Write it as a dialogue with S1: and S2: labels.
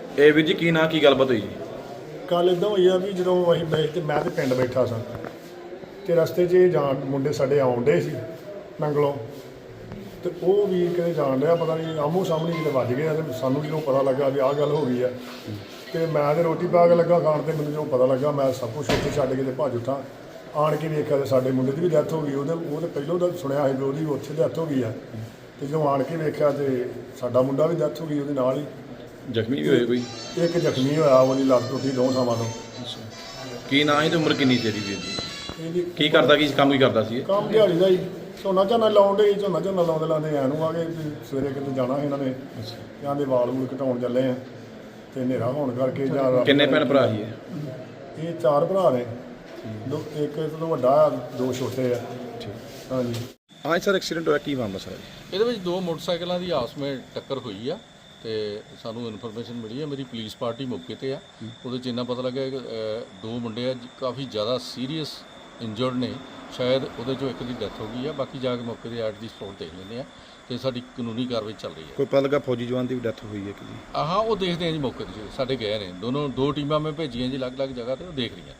S1: ਇਹ ਵੀਰ ਜੀ ਕੀ ਨਾਂ ਕੀ ਗੱਲਬਾਤ ਹੋਈ ਜੀ?
S2: ਕੱਲ ਇਦਾਂ ਹੋਈ ਆ ਵੀ ਜਦੋਂ ਅਸੀਂ ਮੈਂ ਤੇ ਪਿੰਡ ਬੈਠਾ ਸਾਂ ਤੇ ਰਸਤੇ 'ਚ ਇਹ ਜਾਣ ਮੁੰਡੇ ਸਾਡੇ ਆਉਂਦੇ ਸੀ ਨੰਗਲੋਂ ਤੇ ਉਹ ਵੀ ਕਿਤੇ ਜਾਣ ਰਿਹਾ ਪਤਾ ਨਹੀਂ ਆਮੋ ਸਾਹਮਣੇ ਕਿਤੇ ਵੱਜ ਗਏ ਤੇ ਸਾਨੂੰ ਜਦੋਂ ਪਤਾ ਲੱਗਾ ਵੀ ਆਹ ਗੱਲ ਹੋ ਗਈ ਆ ਤੇ ਮੈਂ ਤੇ ਰੋਟੀ ਪਾ ਕੇ ਲੱਗਾ ਖਾਣ ਤੇ ਮੈਨੂੰ ਜਦੋਂ ਪਤਾ ਲੱਗਾ ਮੈਂ ਸਭ ਕੁਛ ਉੱਥੇ ਛੱਡ ਕੇ ਤੇ ਭੱਜ ਉੱਠਾਂ। ਆਣ ਕੇ ਵੇਖਿਆ ਤੇ ਸਾਡੇ ਮੁੰਡੇ ਦੀ ਵੀ ਡੈਥ ਹੋ ਗਈ। ਉਹ ਤੇ ਪਹਿਲੋਂ ਦਾ ਸੁਣਿਆ ਸੀ ਵੀ ਉਹਦੀ ਉੱਥੇ ਡੈਥ ਹੋ ਗਈ ਆ ਤੇ ਜਦੋਂ ਆਣ ਕੇ ਵੇਖਿਆ ਤੇ ਸਾਡਾ ਮੁੰਡਾ ਵੀ ਡੈਥ ਹੋ ਗਈ ਉਹਦੇ ਨਾਲ ਹੀ।
S1: ਜ਼ਖਮੀ ਵੀ ਹੋਏ ਕੋਈ?
S2: ਇੱਕ ਜ਼ਖਮੀ ਹੋਇਆ, ਉਹਦੀ ਲੱਤ ਟੁੱਟੀ 2 ਥਾਵਾਂ ਤੋਂ।
S1: ਕੀ ਨਾਂ ਸੀ ਤੇ ਉਮਰ ਕਿੰਨੀ ਤੇਰੀ ਵੀਰ ਜੀ?
S2: ਇਹਦੀ
S1: ਕੀ ਕਰਦਾ ਕੀ ਕੰਮ ਕੀ ਕਰਦਾ ਸੀ ਇਹ?
S2: ਕੰਮ ਦਿਹਾੜੀ ਦਾ ਹੀ ਝੋਨਾ ਲਾਉਣ ਦੇ ਝੋਨਾ ਲਾਉਂਦੇ ਐਂ ਨੂੰ ਆ ਗਏ ਵੀ ਸਵੇਰੇ ਕਿਤੇ ਜਾਣਾ ਸੀ ਇਹਨਾਂ ਨੇ ਜਾਂਦੇ ਵਾਲ ਵੂਲ ਘਟਾਉਣ ਚੱਲੇ ਆ ਤੇ ਹਨੇਰਾ ਹੋਣ ਕਰਕੇ ਜਾਂ
S1: ਕਿੰਨੇ ਭੈਣ ਭਰਾ ਸੀ ਇਹ?
S2: ਇਹ 4 ਭਰਾ ਨੇ, ਇੱਕ ਤੋਂ ਵੱਡਾ 2 ਛੋਟੇ ਆ। ਹਾਂਜੀ।
S1: ਹਾਂ ਸਰ, ਐਕਸੀਡੈਂਟ ਹੋਇਆ, ਕੀ ਮਾਮਲਾ ਸਰ?
S3: ਇਹਦੇ ਵਿੱਚ 2 ਮੋਟਰਸਾਈਕਲਾਂ ਦੀ ਆਪਸ ਵਿੱਚ ਟੱਕਰ ਹੋਈ ਆ ਤੇ ਸਾਨੂੰ ਇਨਫੋਰਮੇਸ਼ਨ ਮਿਲੀ ਹੈ। ਮੇਰੀ ਪੁਲਿਸ ਪਾਰਟੀ ਮੌਕੇ ਤੇ ਆ। ਉਹਦੇ 'ਚ ਇੰਨਾ ਪਤਾ ਲੱਗਾ ਕਿ 2 ਮੁੰਡੇ ਆ ਕਾਫੀ ਜ਼ਿਆਦਾ ਸੀਰੀਅਸ ਇੰਜਰਡ ਨੇ, ਸ਼ਾਇਦ ਉਹਦੇ 'ਚੋਂ ਇੱਕ ਦੀ ਡੈਥ ਹੋ ਗਈ ਆ। ਬਾਕੀ ਜਾ ਕੇ ਮੌਕੇ ਦੇ ਐਟ ਦੀ ਸਪੌਟ ਦੇਖ ਲੈਂਦੇ ਆ ਤੇ ਸਾਡੀ ਕਾਨੂੰਨੀ ਕਾਰਵਾਈ ਚੱਲ ਰਹੀ ਹੈ।
S1: ਕੋਈ ਪਤਾ ਲੱਗਾ ਫੌਜੀ ਜਵਾਨ ਦੀ ਵੀ ਡੈਥ ਹੋਈ ਹੈ ਕਿ ਜੀ?
S3: ਹਾਂ, ਉਹ ਦੇਖਦੇ ਆ ਜੀ ਮੌਕੇ 'ਤੇ ਸਾਡੇ ਗਏ ਨੇ 2 ਟੀਮਾਂ ਮੈਂ ਭੇਜੀਆਂ ਜੀ ਅਲੱਗ-ਅਲੱਗ ਜਗ੍ਹਾ ਤੇ, ਉਹ ਦੇਖ ਰਹੀਆਂ।